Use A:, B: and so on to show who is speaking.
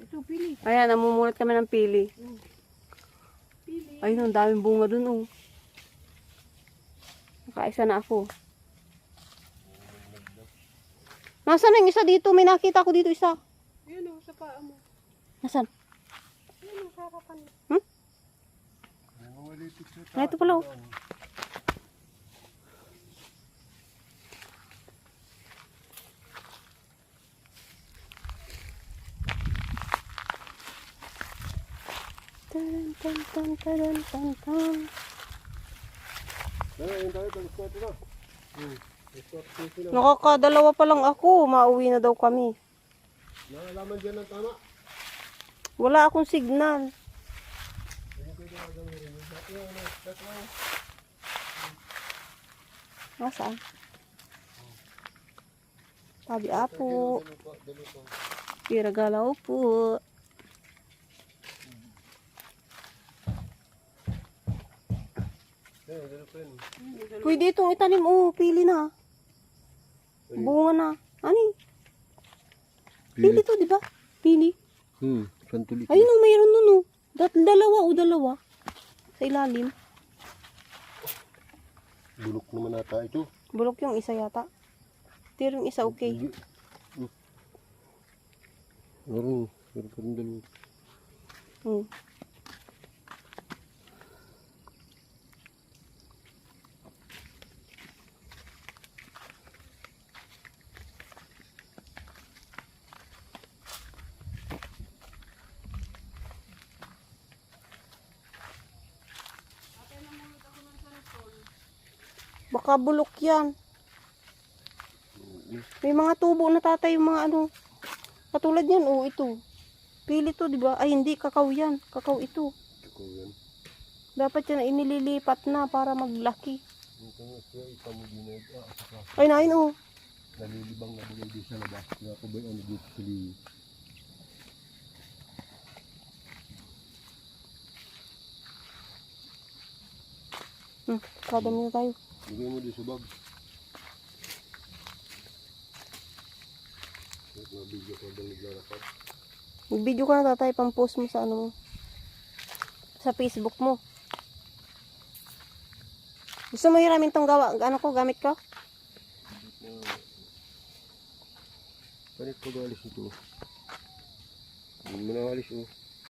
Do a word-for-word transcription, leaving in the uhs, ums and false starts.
A: Ito, pili.
B: Ayan, namumulat kami ng pili.
A: Pili.
B: Ayun, ang daming bunga dun, oh. Nakaisa na ako. Nasaan yung isa dito? May nakita ko dito isa.
A: Ayan o, sa paa mo.
B: Nasaan?
A: Ayan o, sa harapan mo.
B: Hmm? Ah, ito pala, oh. Tan tan tan tan tan tan. Nakakadalawa pa lang ako, mauwi na daw kami.
C: Nalaman dyan ng tama.
B: Wala akong signal. Nasaan? Tabi apo. Piragalaw po. Pwede itong itanim. Oh, pili na. Bunga na. Ani? Pili to, di ba? Pili.
C: Hmm, santulik.
B: Ayun o, mayroon nun o. Dat dalawa o dalawa. Sa ilalim.
C: Bulok naman ata ito.
B: Bulok yung isa yata. Pero yung isa okay.
C: Meron, meron pa rin dalawa.
B: Hmm. Baka bulok yan. May mga tubo na tatay yung mga ano. Katulad yan, oh, ito. Pili to, di ba? Ay, hindi, kakao yan. Kakao ito.
C: Ikaw yan.
B: Dapat yan inililipat na para maglaki.
C: Ito nga siya, ikaw mo din ah, saka
B: Ay, nain, oh.
C: nalilibang na bugay din sa labas. Kaya ako ba yung ano dito sa liyo.
B: Hmm, kadami na tayo.
C: Bigay mo din sa bag. Nabigyan ko ba naglalakad?
B: Mag-video ka na tatay, pang-post mo sa ano mo. Sa Facebook mo. Gusto mo hiramin tong gawa, ano ko, gamit ko?
C: Panit ko galis ito. Hindi mo na alis oh.